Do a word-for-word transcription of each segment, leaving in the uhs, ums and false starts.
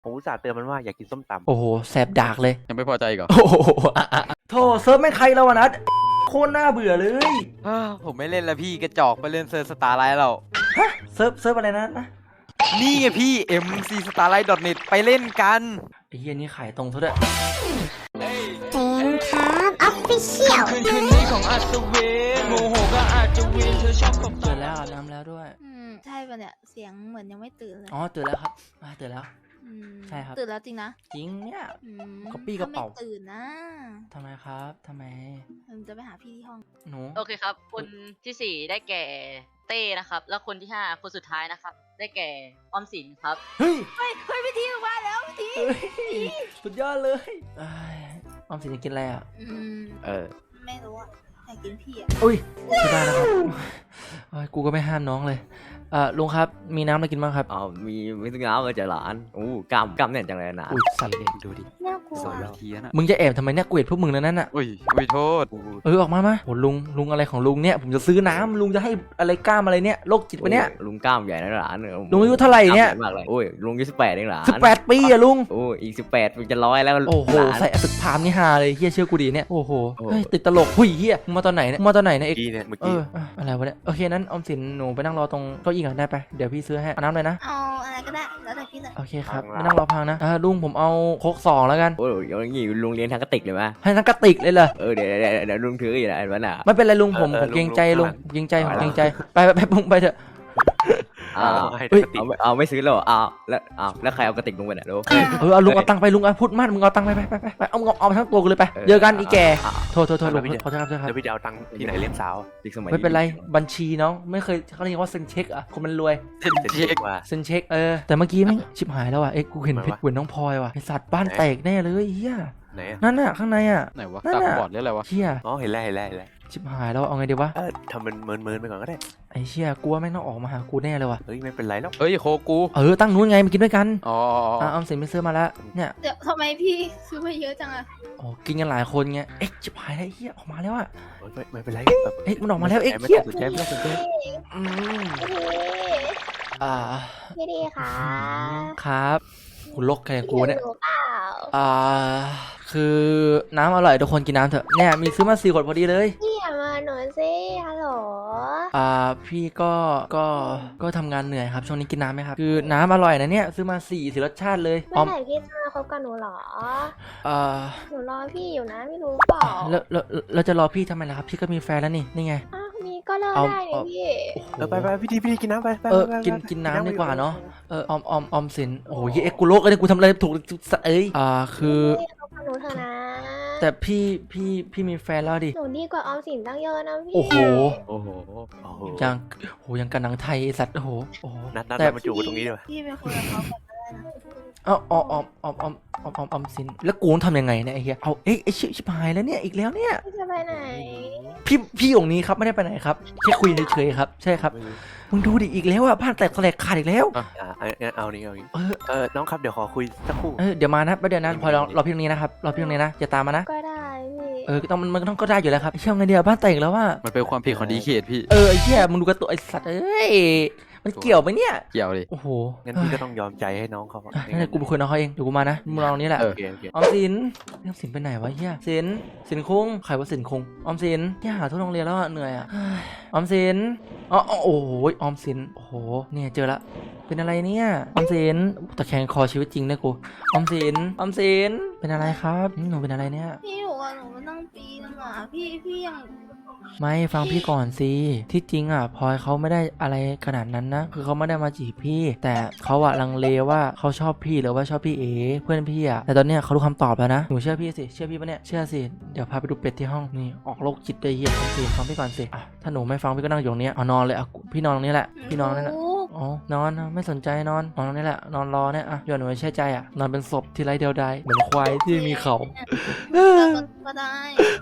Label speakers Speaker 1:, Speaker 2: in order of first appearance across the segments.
Speaker 1: ผมอุตส่าห์เตือนมันว่าอยากกินส้มตำ
Speaker 2: โอ้โหแสบดากเลย
Speaker 3: ยังไม่พอใจอีก่อน
Speaker 2: โอ้โหโธ่เซิร์ฟไม่ใครแล้ววะนัดโคตรน่าเบื่อเลย
Speaker 3: ผมไม่เล่นแล้วพี่กระจอกไปเล่นเซิร์ฟสตาร์ไลท์เรา
Speaker 2: ฮะเซิร์ฟเซิร์ฟอะไรนะนะ
Speaker 3: นี่ไงพี่ เอ็ม ซี สตาร์ไลท์ ดอท เน็ต ไปเล่นกัน
Speaker 2: ไอ้เหี้ยนี่ขายตรงซะด้วย
Speaker 4: เซนครับออฟฟิเชียล
Speaker 3: คืนคืนนี้ของอัศวินโมโหก็อาจจะวินเธอชอบกับ
Speaker 2: ตื่นแล้วอาบน้ำแล้วด้วย
Speaker 5: อืมใช่ป่ะเนี่ยเสียงเหมือนยังไม่ตื่นเลย
Speaker 2: อ๋อตื่นแล้วครับตื่นแล้วใช่ครับ
Speaker 5: ตื่นแล้วจริงนะ
Speaker 2: จริงเนี่ย
Speaker 5: ก
Speaker 2: ระปี้กระเป๋า
Speaker 5: ตื่นนะ
Speaker 2: ทำไมครับทำไม
Speaker 5: ผมจะไปหาพี่ที่ห้อง
Speaker 2: หนู
Speaker 6: โอเคครับคนที่สี่ได้แก่เต้นะครับแล้วคนที่ห้าคนสุดท้ายนะครับได้แก่ออมสินครับ
Speaker 2: เฮ้ย
Speaker 5: เฮ้ยเฮ้ยพี่ทีมาแล้วพี่ที
Speaker 2: สุดยอดเลยออมสินจะกินอะไรอ่ะ
Speaker 1: เออ
Speaker 5: ไม่รู้อ่ะอยากกินพี่อ่ะ
Speaker 2: อุ้ยไม่ได้นะครับกูก็ไม่ห้ามน้องเลยอ่าลุงครับมีน้ำอะไรกินบ้างครับ
Speaker 1: อ๋อมีไม่ต้องน้ำก็จะหลานโอ้กล้ามกล้ามเนี่ยจังเลยนะ
Speaker 2: อุ้ยสั่นเลย
Speaker 3: ดูดิ
Speaker 5: น่ากลัว
Speaker 3: สวยแล้วทีนะ
Speaker 2: มึงจะแอบทำไมเนี่ยกูเห็นพวกมึงนั่นน่ะ
Speaker 3: อุ้ยอุ้ยโทษ
Speaker 2: เออออกมามาโหลุงลุงอะไรของลุงเนี่ยผมจะซื้อน้ำลุงจะให้อะไรกล้ามอะไรเนี่ยโรคจิตปะเนี่ย
Speaker 1: ลุงกล้ามใหญ่นะหลาน
Speaker 2: ลุงอายุเท่าไหร่เนี่ย
Speaker 1: มากเลยโอ้ยลุงอายุสิบแปดเองหลาน
Speaker 2: สิบแปดปีอะลุง
Speaker 1: โอ้ยอีกสิบแปดมันจะร้อยแล้ว
Speaker 2: โอ้โหใส่ตึกพามนี่ฮาเลยเฮียเชื่อกูดีเนี่ยโอ้โหติดตลกหุยเฮียมึงมาตอนไหนเนี่ยมาตอนไหนเนี่ยเอก
Speaker 1: เนี่ยเมื่อ
Speaker 2: กี้อะไรวะเนี่ยโอเคนั้นออมสินหนูไปนั่งรอตรงเก้าอี้ก่อนได้ไปเดี๋ยวพี่ซื้อให้เอาน้ำเลยนะ
Speaker 5: เอาอะไรก็ได้แล้วแต่พี่เลย
Speaker 2: โอเคครับไม่นั่งรอพังนะลุงผมเอาโค้กสองแล้วกัน
Speaker 1: โอ้ยอย่างงี้ลุงเลี้ยงทางกระติกเลยไหม
Speaker 2: ให้ทั้งกระติกเลยเหรอ
Speaker 1: เออเดี๋ยวเดี๋ยวเดี๋ยวลุงถืออยู่นะเห็นไหมน่ะ
Speaker 2: ไม่เป็นไรลุงผมผมเกรงใจลุงเกรงใจผมเกรงใจไปไปไปไปเถอะ
Speaker 1: เอาเอาไม่ซื้อแล้วเอาแล้วเอาแล้วใครเอากระติกลุงไปไหนลูก
Speaker 2: เออเอาลุงเอาตังค์ไปลุงเอาพูดมากมึงเอาตังค์ไปไปไปไปเอาเอาทั้งตัวกูเลยไปเจอกันอีแกโทษโทษโทษลุงขอโทษครับ
Speaker 1: เดี๋ยวพี่จะเอาตังค์ที่ไหนเลี้ยงสาว
Speaker 2: เด็กสมัยไม่เป็นไรบัญชีน้องไม่เคยเขาเรียกว่าเซ็นเช็คอะคนมันรวย
Speaker 1: เซ็นเช็คว่ะ
Speaker 2: เซ็นเช็คเออแต่เมื่อกี้ไม่ชิบหายแล้วว่ะเอ้กูเห็นเพชรเหมือนน้องพลอยว่ะไอสัตว์บ้านแตกแน่เลยเฮียนั่นน่ะข้างในอะ
Speaker 3: ไหนวะตาบอดหรืออะไรวะ
Speaker 2: เฮีย
Speaker 1: อ๋อเห็นแล้วเห็นแล้วเห็นแล้ว
Speaker 2: ชิบหายแล้วเอาไงดีวะ
Speaker 1: เออทำมันเมินเมินไปก่อนก็ได้
Speaker 2: ไอ้เชี่ยกลัวแม่งต้องออกมาหากูแน่เลยว่ะ
Speaker 1: เฮ้ยไม่เป็นไรแล้ว
Speaker 3: เฮ้ยโคกู
Speaker 2: เออตั้งนู้นไงมากินด้วยกัน
Speaker 3: อ๋อ
Speaker 2: อ่ะออมสินไปซื้อมาแล้วเนี่ย
Speaker 5: เดี๋ยวทำไมพี่ซื้อมาเยอะจังอะ
Speaker 2: อ๋อกินกันหลายคนไงเอ๊ะชิบหายแล้วเฮียออกมาแล้วอะ
Speaker 1: ไม่ไม่เป็นไร
Speaker 2: เอ๊ะมันออกมาแล้วเอ๊ะเฮีย
Speaker 1: สนใจไม่สนใจ
Speaker 2: อืมอ่า
Speaker 4: พี่ดีค่ะ
Speaker 2: ครับกูลกแค่กูเนี่ยอ่าคือน้ำอร่อยทุกคนกินน้ำเถอะเนี่ยมีซื้อมาสี่ขวดพอดีเลย
Speaker 4: พี่อย่ามาหนูสิฮัลโหล
Speaker 2: อ่าพี่ก็ก็ก็ทำงานเหนื่อยครับช่วงนี้กินน้ำไหมครับคือน้ำอร่อยนะเนี่ยซื้อมาสี่สี่รสชาติเลย
Speaker 4: เมื่อไหร่พี่จะมาคบกับหนูหรอ
Speaker 2: อ่า
Speaker 4: หนูรอพี่อยู่นะไม่รู้เปล่า
Speaker 2: แล้วแล้วเราจะรอพี่ทำไมล่ะครับพี่ก็มีแฟนแล้วนี่นี่ไง
Speaker 4: อ้าวมีก็เลิกได้เลยพี่
Speaker 1: เออไปไปพี่ดีพี่ดีกินน้ำไป
Speaker 2: เออกินกินน้ำดีกว่าเนาะเออออมออมออมสินโอ้ยเอ็กกูโลกเลยกูทำอะไรถูกเอ้ยอ่าคือ
Speaker 4: หนูเถอะนะ
Speaker 2: แต่พี่พี่พี่มีแฟนแล้วดิ
Speaker 4: หนูดีกว่าออมสินตั้งเยอะนะพี่
Speaker 2: โอ้โห
Speaker 1: โอ้โห
Speaker 2: ยังโหยังกันหนังไทยสัตว์โอ้โหโอ้โห
Speaker 1: นัดนัดมาจูบตรงนี้ด้วย
Speaker 5: พี่เป็นคนกับเขาแบบนั้น
Speaker 2: อ๋ออ๋ออ๋ออ๋ออ๋ออ๋ออ๋อสินแล้วกูต้องทำยังไงเนี่ยไอ้เหี้ยเอาเอ้ยไอ้ชิบชิบหายแล้วเนี่ยอีกแล้วเนี่ย
Speaker 4: พี่จะไปไหน
Speaker 2: พี่พี่องค์นี้ครับไม่ได้ไปไหนครับแค่คุยเฉยๆครับใช่ครับมึงดูดิอีกแล้วอ่ะบ้านแตกแตกขาดอีกแล้ว
Speaker 1: อ่าเอานี่เอานี่เออเออน้องครับเดี๋ยวขอคุยสักครู่
Speaker 2: เออเดี๋ยวมานะประเดี๋ยวนั้นพอเราเราพี่ตรงนี้นะครับเราพี่ตรงนี้นะอย่าตามมานะ
Speaker 4: ก็ได้พี่
Speaker 2: เออต้องมันมันต้องก็ได้อยู่แล้วครับเชื่อไงเดียวบ้านแตกแล้วว่า
Speaker 3: มันเป็นความผิดของดีเคทพี่
Speaker 2: เออไอ้เหี้ยมึงดูกระตัวไอ้สัตว์เอ้ยมันเกี่ยวไหมเนี่ย
Speaker 3: เกี่ยวดิ
Speaker 2: โอ้โห
Speaker 1: งั้นพี่ก็ต้องยอมใจให้น้องเขา
Speaker 2: ให้กูไปคุยน้องเขาเองเดี๋ยวกูมานะมึงลองนี้แหละ
Speaker 1: โอเคโอเค
Speaker 2: ออมสินออมสินไปไหนวะเฮียสินสินคงใครว่าสินคงออมสินที่หาทั่วโรงเรียนแล้วเหนื่อยอ่ะออมสินอ๋อโอ้โหออมสินโอ้โหเนี่ยเจอละเป็นอะไรเนี่ยออมสินตะแคงคอชีวิตจริงเลยกูออมสินออมสินเป็นอะไรครับหนูเป็นอะไรเนี่ย
Speaker 5: พี่บอกว่าหนูมาตั้งปีนึงอ่ะพี่พี่ยัง
Speaker 2: ไม่ฟังพี่ก่อนสิที่จริงอ่ะพลอยเขาไม่ได้อะไรขนาดนั้นนะคือเขาไม่ได้มาจีบพี่แต่เขาอะลังเลว่าเขาชอบพี่หรือว่าชอบพี่เอเพื่อนพี่อะแต่ตอนเนี้ยเขารู้คำตอบแล้วนะหนูเชื่อพี่สิเชื่อพี่ปะเนี่ยเชื่อสิเดี๋ยวพาไปดูเป็ดที่ห้องนี่ออกโรคจิตได้เหี้ยฟังสิฟังพี่ก่อนสิอ่ะถ้าหนูไม่ฟังพี่ก็นั่งอยู่ตรงนี้เอานอนเลยอ่ะพี่นอนตรงนี้แหละพี่นอนนั่นแหละอ๋อนอนไม่สนใจนอนนอนตรงนี้แหละนอนรอเนี่ยอ่ะย้อนหนูไม่เชื่อใจอ่ะนอนเป็นศพที่ไร้เดียวดายเหมือนควายที่มีเขา
Speaker 5: ก็ได้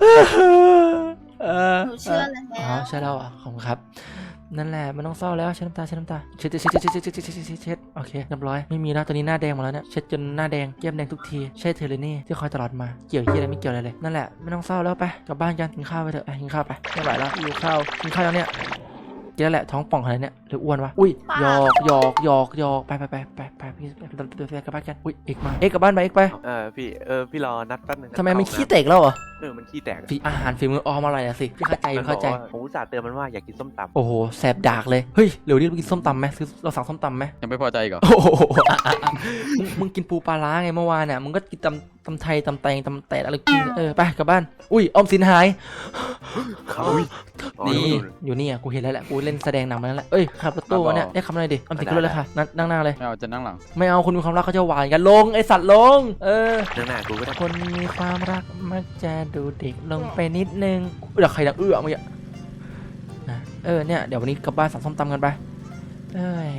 Speaker 5: หนูเชื่อแล้ว
Speaker 2: อ๋อใช่แล้วอ่ะขอบคุณครับนั่นแหละมันต้องเศร้าแล้วเช็ดน้ำตาเช็ดน้ำตาเช็ดเช็ดเช็ดเช็ดเช็ดเช็ดเช็ดเช็ดเช็ดโอเคเรียบร้อยไม่มีแล้วตอนนี้หน้าแดงหมดแล้วเนี่ยเช็ดจนหน้าแดงแก้มแดงทุกทีใช่เธอเลยนี่ที่คอยตลอดมาเกี่ยวเกี่ยวอะไรไม่เกี่ยวอะไรเลยนั่นแหละไม่ต้องเศร้าแล้วไปกลับบ้านกันกินข้าวไปเถอะกินข้าวไปไม่ไหวแล้วหิวข้าวกินข้าวแล้วเนี่ยกินแล้วแหละท้องป่องขนาดนี้หรืออ้วนวะอุ้ยหยอกหยอกหยอกหยอกไปไปไปไปไปพี่ไปกลับบ้านกันอุ้ยเอกมาเอกกลับบ้านไปเอกไป
Speaker 7: เออพี่เออพี่รอนัดแป๊บนึงนะ
Speaker 2: ทำไมมันขี้แตกแล้วเหรอ
Speaker 7: เออมันขี้แตก
Speaker 2: ฝีอาหารฝีมือออมอร่อยนะสิพี่เข้าใจพี่เข้าใจ
Speaker 7: ผมอุตส่าห์เตือนมันว่าอยากกินส้มตำ
Speaker 2: โอ้โหแสบดากเลยเฮ้ยเดี๋ยวนี้เรากินส้มตำไหมซื้อเราสั่งส้มตำไหม
Speaker 8: ยังไม่พอใจอีกเหรอ
Speaker 2: โอ้โหอ่ะอ่ะอ่ะมึงมึงกินปูปลาร้าไงเมื่อวานเนี่ยมึงก็กินตำตำไทยตำแตงตำแตะอะไรกินเออไปกลับบ้านอุ้ยออมสินหาย
Speaker 7: อุ้ย
Speaker 2: นี่อยู่นี่อ่ะกูเห็นแล้วแหละกูเล่นแสดงหนังมาแล้วแหละเอ้ยขับรถตู้วะเนี่ยได้คำอะไรดิออมสินขึ้นรถเลยค่ะนั่งนั่งหน้าเลย
Speaker 8: ไม่เอาจะนั่งหลัง
Speaker 2: ไม่เอาคนมีความรักเขาจะหวานกันลงไอสัตว์ลงเออ
Speaker 7: เรื่องหน้ากูก็ได้
Speaker 2: คนมีความรักมักจะดูเด็กลงไปนิดนึงเดี๋ยวใครดังเอื้อเมื่อกี้นะเออเนี่ยเดี๋ยววันนี้กลับบ้านสั่งส้มตำกันไปเอ้ย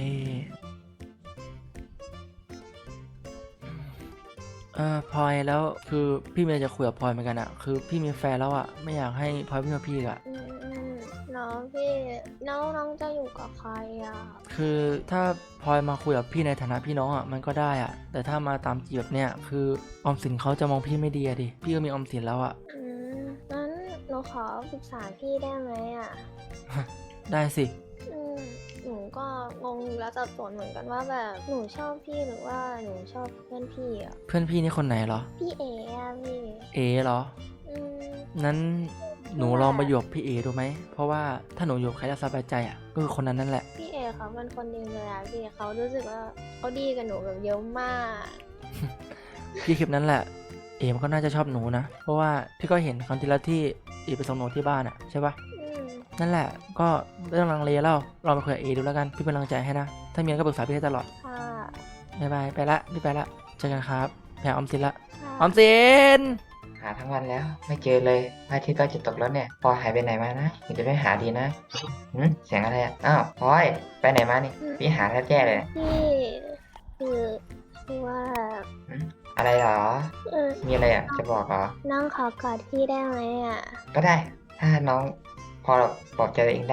Speaker 2: เออพลอยแล้วคือพี่เมย์จะคุยกับพลอยเหมือนกันอะคือพี่มีแฟนแล้วอะไม่อยากให้พลอยพี่มาพี่อะ
Speaker 4: อืมอืมน้องพี่น้องน้องจะอยู่กับใครอ่ะ
Speaker 2: คือถ้าพลอยมาคุยกับพี่ในฐานะพี่น้องอะมันก็ได้อะแต่ถ้ามาตามจีบแบบเนี้ยคือออมสินเขาจะมองพี่ไม่ดีอะดิพี่ก็มีออมสินแล้วอะ
Speaker 4: อืมงั้นหนูขอปรึกษาพี่ได้ไหมอ่ะ
Speaker 2: ได้สิ
Speaker 4: อืมหนูก็งงแล้วสับสนเหมือนกันว่าแบบหนูชอบพี่หรือว่าหนูชอบเพื่อนพี่อ่ะ
Speaker 2: เพื่อนพี่นี่คนไหนเหรอ
Speaker 4: พี่เอ๋อะพี่
Speaker 2: เอเหรอ
Speaker 4: อืม
Speaker 2: นั้นหนูลองมาอยู่กับพี่เอดูไหม เพราะว่าถ้าหนูอยู่กับใครจะสบายใจอ่ะก็คือคนนั้นนั่นแหละ
Speaker 4: พี่เอ๋เขาเป็นคนดีเลยอะพี่เขารู้สึกว่าเขาดีกับหนูแบบเยอะมาก
Speaker 2: พี่คลิปนั้นแหละ เอมันก็น่าจะชอบหนูนะ เพราะว่าพี่ก็เห็นครั้งที่แล้วที่เอไปส่งหนูที่บ้านอ่ะใช่ปะ
Speaker 4: อืม
Speaker 2: นั่นแหละ ก็ไม่ต้องลังเลแล้วลองไปคุยกับเอดูแล้วกัน พี่เป็นกำลังใจให้นะ ถ้ามีอะไรก็ปรึกษาพี่ได้ตลอด
Speaker 4: ค่ะ
Speaker 2: บ๊ายบาย ไปละพี่ไปละ เจอกันครับแพรออมสินละ
Speaker 4: ค่ะ
Speaker 2: ออมสิน
Speaker 9: หาทั้งวันแล้วไม่เจอเลยพระอาทิตย์ก็จะตกแล้วเนี่ยพลอยหายไปไหนมานะเดี๋ยวไปหาดีนะหืมเสียงอะไรอ่ะอ้าวพลอยไปไหนมานี่พี่หาแทบแย่เลย
Speaker 4: พี่คือคือว่า
Speaker 9: หืมอะไรเหรอ
Speaker 4: เออ
Speaker 9: มีอะไรอ่ะจะบอกเหรอ
Speaker 4: น้องขอกอดพี่ได้ไหมอ่ะ
Speaker 9: ก็ได้ ถ้าน้องพอบอกใจตัวเองได้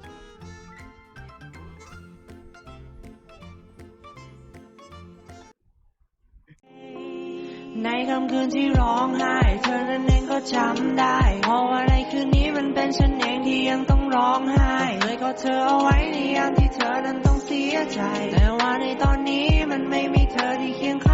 Speaker 3: ในค่ำคืนที่ร้องไห้เธอนั้นเองก็จำได้เพราะว่าในคืนนี้มันเป็นฉันเองที่ยังต้องร้องไห้เลยก็เธอเอาไว้ในยามที่เธอนั้นต้องเสียใจแต่ว่าในตอนนี้มันไม่มีเธอที่เคียงข้าง